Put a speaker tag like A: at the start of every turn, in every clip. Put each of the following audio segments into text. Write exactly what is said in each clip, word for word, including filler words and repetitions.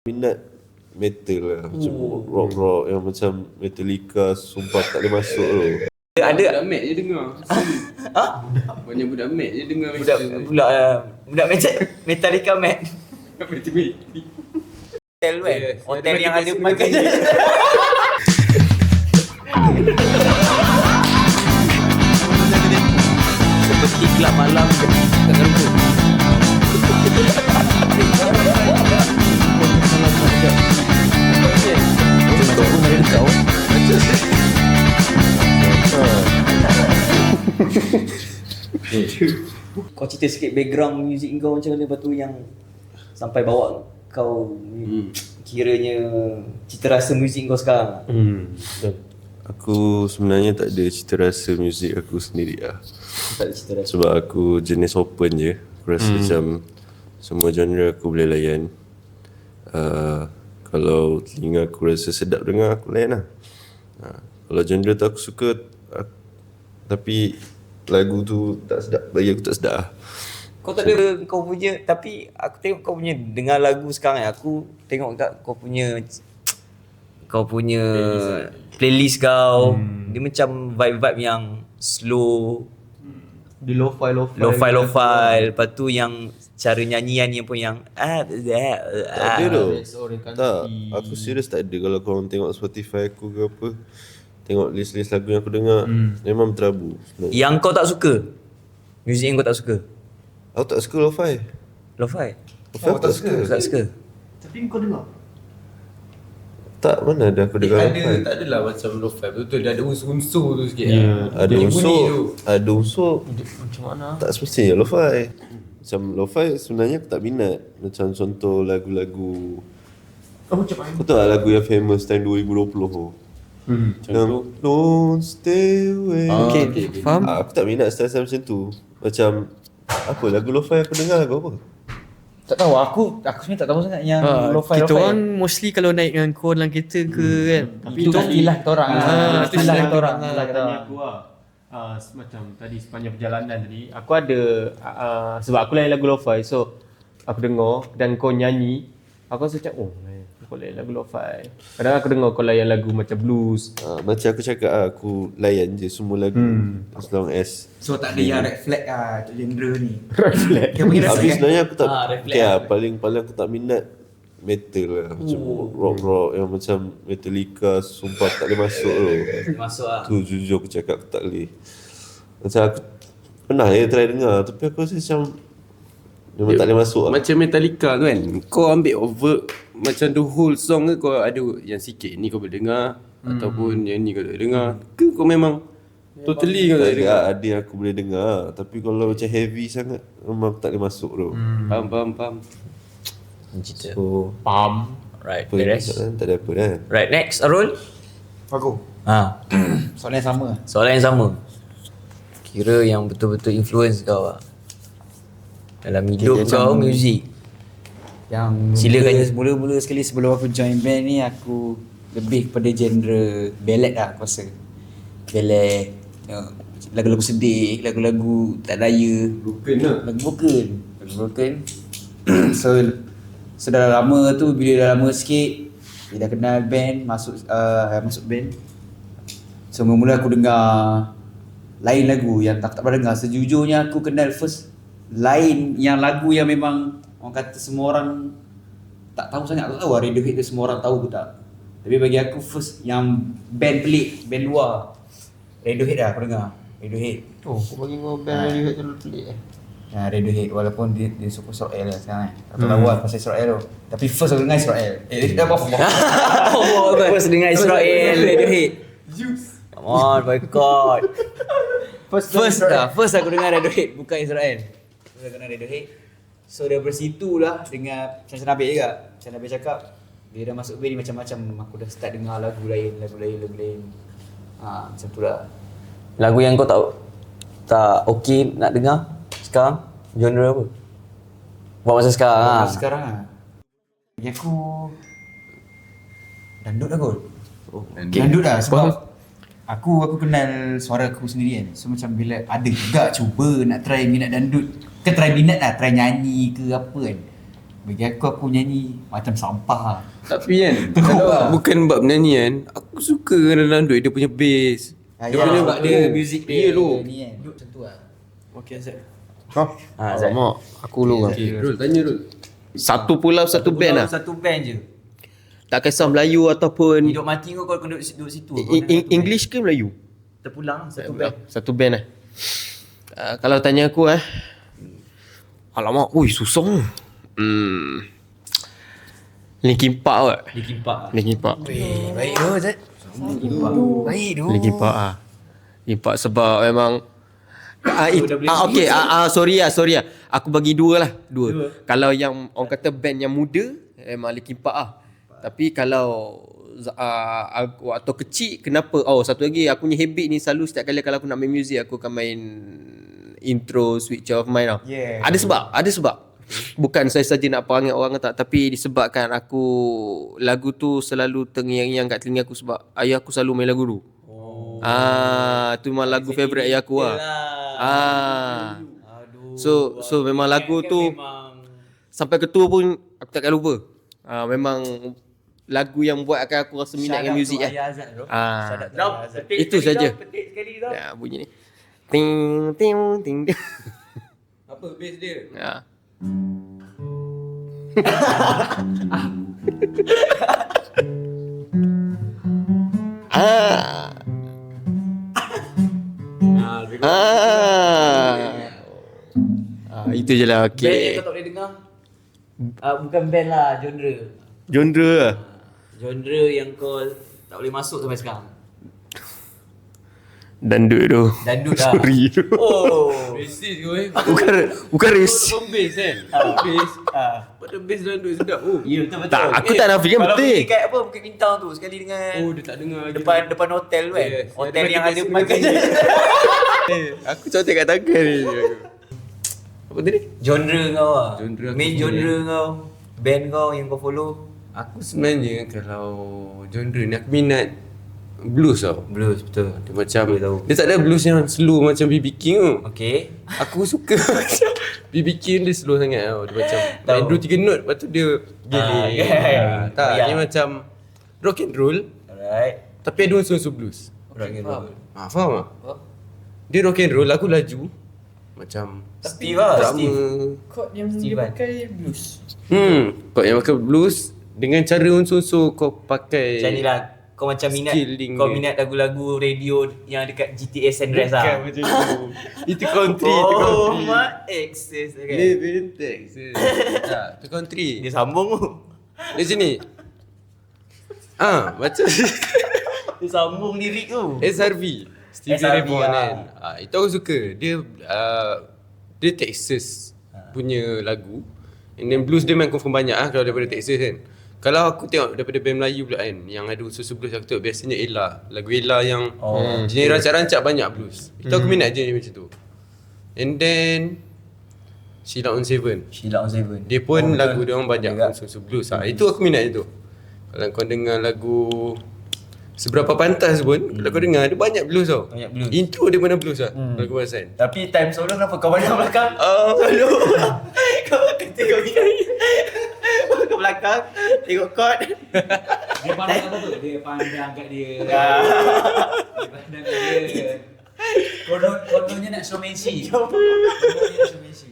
A: Minat metal lah. Macam rock-rock yang macam Metallica, sumpah tak boleh masuk tu.
B: Ada
C: Budak Mac je dengar.
B: Ha?
C: Banyak budak Mac je dengar
B: Budak budak uh, budak Metal Metallica Mac. Hotel kan? Hotel yang ada makan. Seperti kelab malam kat Garuda. Macam pun ada kau. Kau cerita sikit background muzik kau macam mana, lepas tu yang sampai bawa kau hmm. kiranya cita rasa muzik kau sekarang.
A: Hmm. Aku sebenarnya tak ada cita rasa muzik aku sendiri lah.
B: Tak ada cita rasa.
A: Sebab aku jenis open je. Aku rasa hmm. macam semua genre aku boleh layan. Uh, kalau telinga aku rasa sedap dengar, aku layan lah. Uh, kalau genre tu aku suka, aku, tapi lagu tu tak sedap, bagi aku tak sedap lah.
B: Kau tak ada kau punya, tapi aku tengok kau punya dengar lagu sekarang, aku tengok kat kau punya kau punya playlist, playlist kau hmm. dia macam vibe-vibe yang slow,
D: di lo-fi lo-fi
B: lo-fi lo-fi, lepas tu yang cara nyanyian yang pun yang ah
A: tak ada tu. Tak, aku serius tak ada. Kalau korang tengok Spotify aku ke apa, tengok list-list lagu yang aku dengar, hmm. memang terabu.
B: Yang kau tak suka, muzik yang kau tak suka?
A: Aku tak suka lo-fi.
B: Lo-fi?
A: Lo-fi aku tak suka.
B: Tak suka.
D: Tapi kau dengar?
A: Tak, mana ada aku dengar
C: eh,
A: lo-fi.
C: ada, tak adalah macam lo-fi betul-betul, dia ada unsur-unsur tu sikit.
A: Yeah.
C: Lah.
A: Ada unsur, ada unsur.
D: Macam mana?
A: Tak semestinya lo-fi. Macam lo-fi sebenarnya aku tak minat. Macam contoh lagu-lagu,
D: Oh, macam mana?
A: kau tahu tak lagu yang famous tahun dua ribu dua puluh tu?
D: Hmm.
A: Yang Don't Stay Away.
D: Ah, okay, okay, okay. Faham?
A: Ah, aku tak minat style-style macam tu. Macam apa lagu lo-fi aku dengar lagu apa?
E: Tak tahu, aku aku sebenarnya tak tahu sangat yang
D: Ha,
E: lo-fi
D: kita
E: lo-fi.
D: orang mostly kalau naik dengan kau dalam kereta ke hmm. kan.
E: Tapi itu istilah kita orang.
D: Ah,
E: Ah,
D: itu
E: istilah
D: istilah
E: kita orang.
D: kita
E: Istilah kita
F: Tanya
E: orang.
F: aku lah uh, macam tadi sepanjang perjalanan tadi aku ada uh, sebab aku layan lagu lo-fi, so aku dengar dan kau nyanyi, aku rasa macam oh kau layan lagu lo-fi. Kadang aku dengar kau layan lagu macam blues.
A: Ah, macam aku cakap ah, aku layan je semua lagu hmm. as long as.
E: So tak ada yang red flag ah genre ni.
F: Red flag.
E: Yang panggil red
A: Habis
E: flag.
A: sebenarnya aku tak
B: Ah,
A: ah,
B: reflect
A: okay,
B: lah.
A: lah, paling paling aku tak minat metal lah. Macam
B: Oh.
A: rock-rock yang macam Metallica, sumpah tak boleh masuk tu.
B: Masuk lah.
A: Tu jujur aku cakap aku tak boleh. Macam aku pernah ya try dengar, tapi aku rasa macam memang tak boleh masuk lah.
C: Macam Metallica tu kan, kau ambil over macam the whole song ke, kau ada yang sikit ni kau boleh dengar hmm. ataupun yang ni kau tak boleh dengar ke, kau memang totally kau tak
A: Tak
C: boleh
A: ada,
C: dengar?
A: ada yang aku boleh dengar, tapi kalau macam heavy sangat memang aku tak boleh masuk tu.
C: Hmm. Faham, faham, faham.
B: Cerita.
A: So
D: Pam.
B: Right,
A: apa yang
B: beres.
A: cakap kan, tak ada apa kan.
B: Right, next Arul.
E: Aku.
B: Ha,
E: Soalan yang sama.
B: soalan yang sama. Kira yang betul-betul influence kau lah dalam hidup
E: Okay,
B: kau,
E: macam-
B: muzik.
E: Yang
B: Silakan.
E: mula, mula-mula sekali sebelum aku join band ni, aku lebih kepada genre ballad lah aku rasa. Ballad, uh, lagu-lagu sedih, lagu-lagu tak daya,
C: Broken lah.
E: lagu broken. Lagu broken. So So dah lama tu, bila dah lama sikit, bila dah kenal band, masuk uh, masuk band. So mula-mula aku dengar lain lagu yang tak, tak pernah dengar. Sejujurnya aku kenal first lain yang lagu yang memang orang kata semua orang tak tahu sangat. Aku tahu lah Radiohead tu semua orang tahu ke tak. Tapi bagi aku first yang band pelik, band luar, Radiohead dah aku dengar. Radiohead.
D: Oh, kau bagi kau band Radiohead tu pelik eh.
E: Ya, Radiohead walaupun dia, dia suka Israel lah sekarang kan. Tak tahu lah pasal Israel tu. Tapi first aku dengar Israel. Eh, dia dah apa?
B: Oh, first dengar Israel, Radiohead. Come on, boycott.
E: First,
B: First dah, first aku dengar Radiohead, bukan Israel. First aku dengar Radiohead. So daripada situ lah, dengar macam Nabil juga. Macam Nabil cakap, dia dah masuk band ni macam-macam, aku dah start dengar lagu lain, lagu lain, lagu lain. Ha, macam tu lah. Lagu yang kau tak tak okey nak dengar sekarang, genre apa? Buat masa sekarang
E: Masa
B: lah.
E: sekarang lah. Bagi aku dandut lah kot.
A: Oh,
E: Dandut lah sebab aku aku kenal suara aku sendiri kan. So macam bila ada juga cuba nak try minat dandut, kan try minat lah, try nyanyi ke apa kan. Bagi aku, aku nyanyi macam sampah lah.
C: Tapi kan kalau bukan bab nyanyi kan, aku suka dalam duit dia punya bass.
E: Ah,
C: Dia
E: ya,
C: punya
E: sebab dia music dia
C: Ya lu.
E: ni kan. Macam tu lah.
D: Okay, Azad.
E: Ha, Zat.
F: Alamak, aku lu kan.
C: Okay, Rul, tanya Rul.
F: Satu pulau satu band lah.
E: Satu band je.
F: Tak kisah Melayu ataupun
E: Hidup mati kau kalau duduk, duduk situ. kau
F: I-
E: nak
F: I-
E: satu
F: English ke Melayu?
E: band. Terpulang satu band.
F: Satu band lah. Uh, kalau tanya aku eh. Alamak, ui susah. Hmm. Linkin Park kot.
E: Linkin Park lah.
F: Linkin Park.
B: Baik tu Zat. Baik tu.
F: Linkin Park ah. Linkin Park sebab memang Ah, it, ah okey ah, ah sorry ah sorry ah. Aku bagi dua lah, dua. dua. Kalau yang orang kata band yang muda memang Linkin Park ah. Tapi kalau uh, aku waktu kecil kenapa oh satu lagi aku punya habit ni selalu setiap kali kalau aku nak main muzik aku akan main intro Switch Off Mind tau.
E: Yeah.
F: Ada sebab, ada sebab. Bukan saya saja nak perangai orang tak, tapi disebabkan aku lagu tu selalu terngiang-ngiang kat telinga aku sebab ayah aku selalu main lagu tu. Oh. Ah, tu memang lagu favourite ayah aku lah. Ah. So so memang lagu tu sampai ketua pun aku takkan lupa. Ah, memang lagu yang buat akan aku rasa minat dengan muzik lah. Ah. Itu saja. Ya, bunyi ni. Ting ting ting. ting.
C: Apa bass dia?
F: Ya. ah. Ah. Ah, itu je lah.
E: Band yang
F: Okay.
E: kau tak boleh dengar. Uh, bukan band lah, genre.
F: Genre lah.
E: Genre yang kau tak boleh masuk sampai sekarang.
F: Dandut tu.
E: Dandut lah.
F: Sorry tu.
E: Oh.
C: Racist kau eh.
F: Bukan bukan race.
C: Kau bass kan? Bass. Pada bass dan duit sedap oh.
E: Ya, betul betul.
F: Tak, aku tak nafikan
E: Kalau
F: betul.
E: pergi kat apa, Bukit Bintang tu sekali dengan
C: Oh dia tak dengar lagi.
E: depan depan hotel tu kan.
C: Yes.
E: Hotel
C: Ada
E: yang ada
C: Michael
E: Michael
C: Jackson.
E: Jackson.
F: Eh, aku contek kat tangan ni. Apa tadi?
E: Genre kau lah.
C: Genre aku
E: Main
C: follow.
E: genre kau. Band kau yang kau follow.
C: Aku sebenarnya kalau genre ni aku minat blues tau.
E: Blues, betul.
C: Dia macam
E: Boleh tahu.
C: dia tak ada blues yang slow macam B B King tu.
E: Okay.
C: Aku suka macam B B King dia slow sangat tau. Dia macam main dua tiga note lepas tu dia
E: Ah,
C: geli.
E: kan.
C: Tak,
E: Ya.
C: dia macam rock and roll
E: Alright.
C: tapi ada unsur-unsur blues.
E: Rock and roll.
C: Ah, faham tak? Dia rock and roll, aku laju macam
E: Steve lah,
C: drama.
E: Steve.
D: Chord yang
E: Steven.
D: dia pakai blues.
C: Hmm, kau yang pakai blues dengan cara unsur-unsur kau pakai.
E: Macam ni lah. Kau macam minat
C: Skilling
E: kau
C: dia.
E: minat lagu-lagu radio yang dekat G T A San Andreas lah.
C: macam tu. Itu country, itu
E: Oh,
C: country.
E: my exes okay.
C: Live in Texas. Tak, itu country.
E: Dia sambung tu.
C: Di sini. Ah, macam
E: Dia sambung lirik tu.
C: S R V. Stevie
E: S R V
C: Ray Vaughan
E: lah.
C: kan. Ah, itu aku suka. Dia uh, dia Texas punya lagu. And then blues dia memang confirm banyak ah kalau daripada Texas kan. Kalau aku tengok daripada band Melayu pula kan yang ada unsur blues aku tengok biasanya Ella. Lagu Ella yang
E: Oh,
C: jenis rancak-rancak banyak blues. Itu aku minat je macam tu. And then Sheila on Seven.
E: Sheila on Seven.
C: Dia pun
E: Oh,
C: lagu
E: betul.
C: dia orang banyak
E: Juga.
C: unsur blues ah. Itu aku minat itu. Kalau kau dengar lagu Seberapa Pantas pun hmm. kalau kau dengar dia banyak blues tau.
E: Banyak blues.
C: Intro dia mana blues lah. Hmm. Lagu perasan.
E: Tapi time solo kenapa kau banyak belakang?
C: Oh,
E: Solo. Kau kata kau gini. Ke belakang tengok chord. Dia pandang apa tu? Dia pandang kat dia. Dia pandang kat dia. Konon kononnya nak showmanship. Kononnya nak showmanship.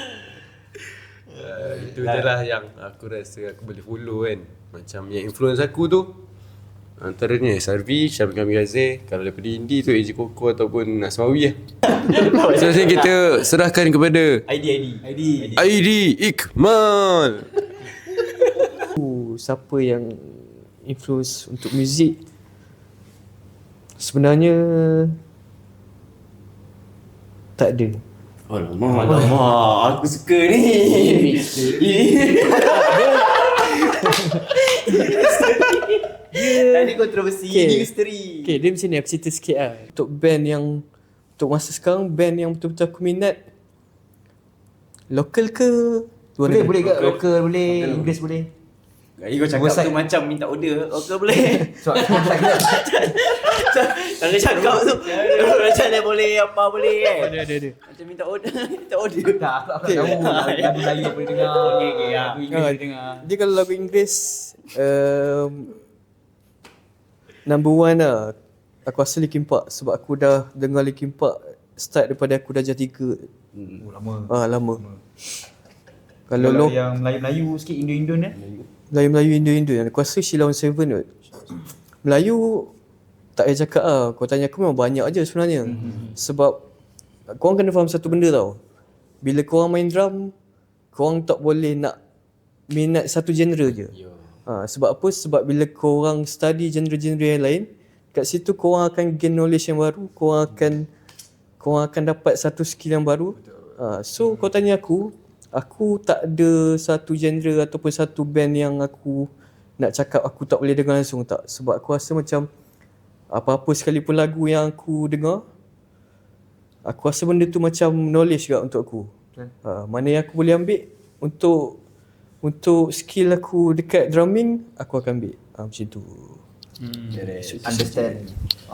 C: Uh, itu je lah yang aku rasa aku boleh follow kan. Macam yang influence aku tu antaranya S R V, Syabir Kamil Razif. Kalau daripada indie tu A J Koko ataupun Asmawi lah. So sekarang kita serahkan kepada
E: I D I D. I D.
C: I D Iqmal.
D: Uh, siapa yang influence untuk muzik? Sebenarnya tak ada.
E: Alamak, alamak, aku suka ni. Tadi kontroversi,
D: Okay.
E: ni misteri.
D: Okay, dia macam ni aku cerita sikit lah. Untuk band yang untuk masa sekarang, band yang betul-betul aku minat lokal ke luar
E: Boleh,
D: negara?
E: boleh ke? Local boleh, Inggeris boleh.
B: Ego cakap
E: Bosan.
B: tu macam minta order. Okey boleh.
E: Sebab
B: Kalau cakap tu macam dia boleh apa boleh kan.
D: Ada ada ada.
B: Macam minta order, minta order.
E: tak aku aku tak tahu lagu Melayu apa dia dengar.
B: Okey okey ya.
E: Lagu Inggeris
D: Ah,
E: dia dengar.
D: Dia kalau lagu Inggeris um, number one lah. Aku rasa Linkin Park sebab aku dah dengar Linkin Park start daripada aku dah jadi tiga.
E: Oh lama.
D: Ah lama.
E: Kalau
D: Kalau lo
E: yang Melayu-Melayu sikit Indo-Indon eh.
D: Melayu-Melayu Indo-Indo yang aku rasa Sheila on Seven kot. Melayu tak payah cakap lah. Kau tanya aku memang banyak je sebenarnya. Mm-hmm. Sebab korang kena faham satu benda tau. Bila korang main drum, korang tak boleh nak minat satu genre je. Ha, sebab apa? Sebab bila korang study genre-genre yang lain, kat situ korang akan gain knowledge yang baru, korang akan korang akan dapat satu skill yang baru. Ha, so kau tanya aku, aku tak ada satu genre ataupun satu band yang aku nak cakap aku tak boleh dengar langsung, tak. Sebab aku rasa macam apa-apa sekalipun lagu yang aku dengar, aku rasa benda tu macam knowledge juga untuk aku. Ha, mana yang aku boleh ambil untuk untuk skill aku dekat drumming, aku akan ambil. Ha, macam tu.
E: Understand.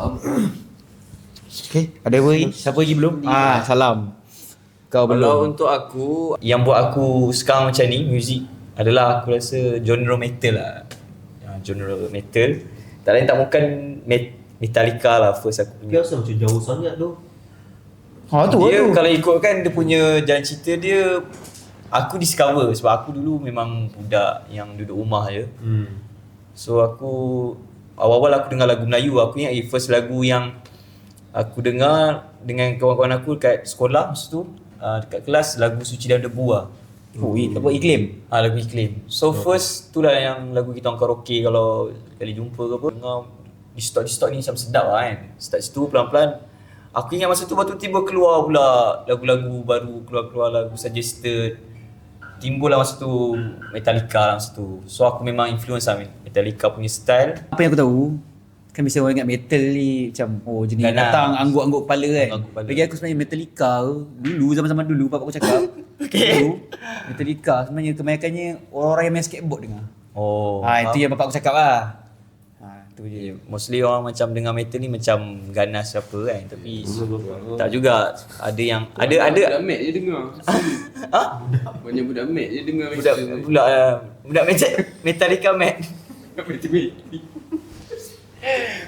E: Okay, ada apa lagi? Siapa lagi belum? Ah, salam. Kau
B: Kalau
E: belum.
B: untuk aku, yang buat aku sekarang macam ni, muzik adalah aku rasa genre metal lah. Ya, genre metal. Tak lain tak bukan met- Metallica lah first aku
F: Dia
B: punya.
F: rasa macam jauh sangat tu.
E: Ha tu
B: Dia
E: tu.
B: kalau ikutkan dia punya jalan cerita dia, aku discover sebab aku dulu memang budak yang duduk rumah je.
F: Hmm.
B: So aku awal-awal aku dengar lagu Melayu, aku ingat eh, first lagu yang aku dengar dengan kawan-kawan aku dekat sekolah masa tu, uh, dekat kelas, lagu Suci dan Debu lah.
E: Oh, i- apa iklim?
B: Ah, lagu Iklim. So first tu lah yang lagu kita orang karaoke kalau kali jumpa ke apa, dengar di stok di stok ni macam sedap lah kan. Start situ pelan-pelan. Aku ingat masa tu baru tiba keluar pula lagu-lagu baru, keluar-keluar lagu suggested. Timbul lah masa tu Metallica lah masa tu. So aku memang influence lah Metallica punya style.
E: Apa yang aku tahu, kan biasa orang ingat metal ni macam oh jenis
B: Ganas.
E: datang angguk-angguk kepala kan.
B: Angguk kepala.
E: Bagi aku sebenarnya Metallica tu, dulu zaman-zaman dulu bapak aku cakap.
B: Okay.
E: Dulu Metallica sebenarnya kebanyakannya orang-orang yang main skateboard dengar.
B: Oh.
E: ha itu yang bapak aku cakap lah. Ha tu je.
B: Yeah, mostly orang macam dengar metal ni macam ganas apa kan, tapi tak juga. Ada yang ada ada
C: Budak Mac je dengar.
B: ha?
C: Banyak budak Mac je dengar
B: Budak budak uh, budak metal Metallica Mac.